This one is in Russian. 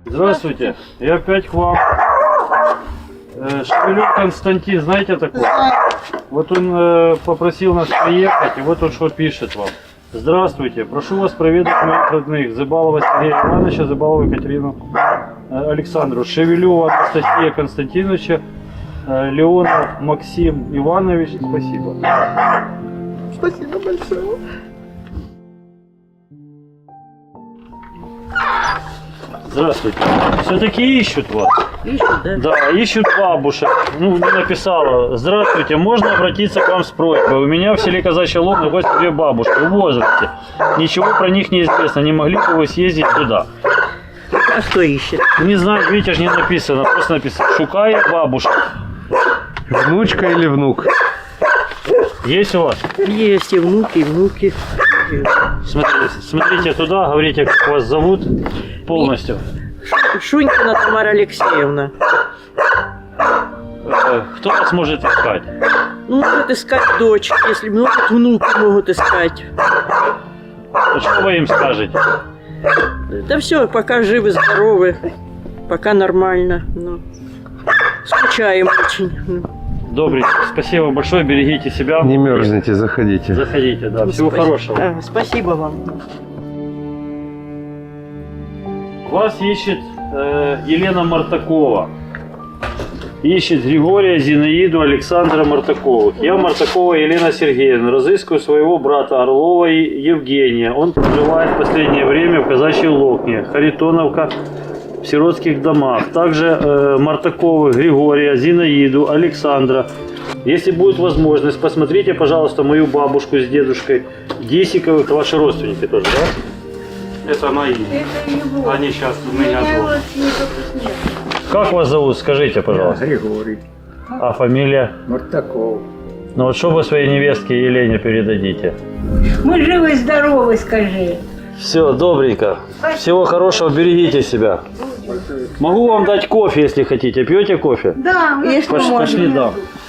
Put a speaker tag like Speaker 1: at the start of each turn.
Speaker 1: Здравствуйте, я опять к вам. Шевелев Константин, знаете такого? Вот он попросил нас приехать, и вот он что пишет вам. Здравствуйте, прошу вас проведать моих родных. Зыбалова Сергея Ивановича, Зыбалову Екатерину Александру, Шевелева Анастасия Константиновича, Леонов Максим Иванович. Спасибо.
Speaker 2: Спасибо большое.
Speaker 1: Здравствуйте. Все-таки ищут вас.
Speaker 2: Ищут, да?
Speaker 1: Да, ищут бабушек. Ну, не написала. Здравствуйте, можно обратиться к вам с просьбой? У меня в селе Казачья Лог находится две бабушки в возрасте. Ничего про них не известно. Не могли бы вы съездить туда?
Speaker 2: А что ищет?
Speaker 1: Не знаю, видите, ж не написано. Просто написано. Шукаю бабушек.
Speaker 3: Внучка или внук?
Speaker 1: Есть у вас?
Speaker 2: Есть и внуки, и внуки.
Speaker 1: Смотрите туда, говорите, как вас зовут полностью.
Speaker 2: Шунькина Тамара Алексеевна.
Speaker 1: Кто вас может искать?
Speaker 2: Ну, могут искать дочки, если могут, внуки могут искать.
Speaker 1: Что вы им скажете?
Speaker 2: Да все, пока живы, здоровы, пока нормально. Ну, скучаем очень.
Speaker 1: Добренько. Спасибо большое, берегите себя.
Speaker 3: Не мерзните, заходите.
Speaker 1: Заходите, да. Всего хорошего.
Speaker 2: Да, спасибо вам.
Speaker 1: Вас ищет Елена Мартакова. Ищет Григория, Зинаиду, Александра Мартаковых. Я Мартакова Елена Сергеевна. Разыскиваю своего брата Орлова Евгения. Он проживает в последнее время в Казачьей Локне, Харитоновка, в сиротских домах. Также Мартаковых Григория, Зинаиду, Александра. Если будет возможность, посмотрите, пожалуйста, мою бабушку с дедушкой Десиковых. Это ваши родственники тоже, да? Это мои.
Speaker 4: Это его.
Speaker 1: Они сейчас у меня
Speaker 4: Меня
Speaker 1: дома.
Speaker 4: вот нет.
Speaker 1: Как вас зовут, скажите, пожалуйста.
Speaker 5: Григорий
Speaker 1: А фамилия?
Speaker 5: Мартаков.
Speaker 1: Ну вот что вы своей невестке Елене передадите?
Speaker 4: Мы живы и здоровы, скажи.
Speaker 1: Все, добренько. Всего хорошего, берегите себя. Могу вам дать кофе, если хотите. Пьете кофе?
Speaker 4: Да,
Speaker 2: Если
Speaker 1: Пошли,
Speaker 2: можно.
Speaker 1: да.